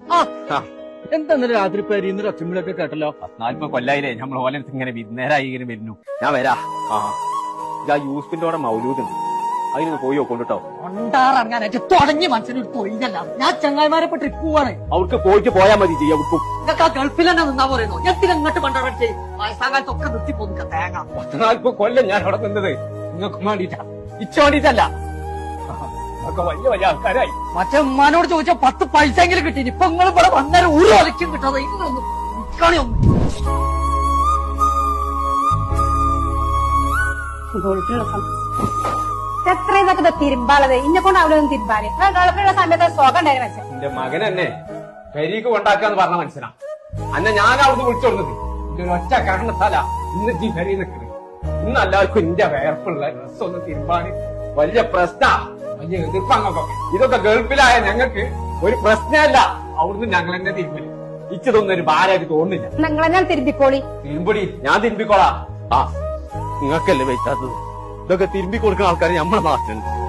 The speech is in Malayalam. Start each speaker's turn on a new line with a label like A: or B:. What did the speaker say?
A: എന്താ രാത്രി പേരിന്ന് ഒച്ചമ്പിളൊക്കെ കേട്ടല്ലോ.
B: 40 കൊല്ലായില്ലേ നമ്മൾ ഓലത്ത് ഇങ്ങനെ വിരുന്നേരായി ഇങ്ങനെ വരുന്നു. ഞാൻ വരാ. യൂസ്ഫിന്റെ മൗലൂദുണ്ട്, അതിനൊന്ന് പോയി നോക്കൊണ്ടിട്ടോ.
A: കൊണ്ടാറങ്ങാനായിട്ട് തുടങ്ങി മനസ്സിനൊരു തൊഴിലല്ല. ഞാൻ ചങ്ങായിമാരെ ട്രിപ്പ് പോവാണ്.
B: അവർക്ക് പോയിട്ട് പോയാൽ മതി. ചെയ്യാം അവർക്കും
A: നിങ്ങൾക്ക് ആ ഗൾഫിൽ തന്നെ നിന്നാ പറയുന്നു. എത്തിനും ഇങ്ങോട്ട് കൊണ്ടാടേ വയസ്സാകാലത്തൊക്കെ നിർത്തി പോന്നിക്ക തേങ്ങ.
B: 40 കൊല്ലം ഞാൻ അവിടെ നിന്നത് നിങ്ങൾക്ക് വേണ്ടിട്ടാ, ഇച്ച വേണ്ടിട്ടല്ല. ഒക്കെ വലിയ വലിയ ആൾക്കാരായി.
A: മറ്റേ ഉമ്മാനോട് ചോദിച്ചാൽ 10 പൈസെങ്കിലും കിട്ടി. ഇപ്പൊ നിങ്ങൾ ഇവിടെ വന്നേരം ഒരു ഒലക്കും കിട്ടാതെ ഇന്നൊന്നും നിൽക്കണേ ഒന്ന്.
C: എത്രയും ഇതൊക്കെ തിരുമ്പാളത് ഇന്നെ കൊണ്ട് അവിടെ ഒന്നും തിരുമ്പാല് ഗൾഫിലുള്ള സമയത്ത് സുഖം ഉണ്ടായിരുന്നു മനസ്സിൽ.
B: എന്റെ മകൻ എന്നെ പെരീക്ക് കൊണ്ടാക്കാന്ന് പറഞ്ഞ മനസ്സിലാ. അന്നെ ഞാൻ അവിടുന്ന് വിളിച്ചു കൊടുത്തത് എന്റെ ഒരു ഒറ്റ കാരണത്താല ഇന്ന് ഈ പെരീ നിൽക്കുന്നത്. ഇന്ന് എല്ലാവർക്കും എന്റെ വേർപ്പുള്ള ഡ്രസ്സൊന്നും തിരുമ്പാന് വലിയ പ്രശ്ന, വലിയ എതിർപ്പങ്ങൾക്കൊക്കെ. ഇതൊക്കെ ഗൾഫിലായ ഞങ്ങൾക്ക് ഒരു പ്രശ്നമല്ല. അവിടുന്ന് ഞങ്ങൾ എന്നെ തിരുമ്പല്. ഇച്ചതൊന്നും ഒരു ഭാരമായിട്ട് തോന്നുന്നില്ല.
C: നിങ്ങളെ ഞാൻ തിരുമ്പിക്കോളി.
B: തിരുമ്പടി, ഞാൻ തിരുമ്പിക്കോളാ. നിങ്ങൾക്കല്ലേ വെച്ചാത്തത്. ഇതൊക്കെ തിരുമ്പി കൊടുക്കുന്ന ആൾക്കാർ നമ്മളെ നാട്ടിലുണ്ട്.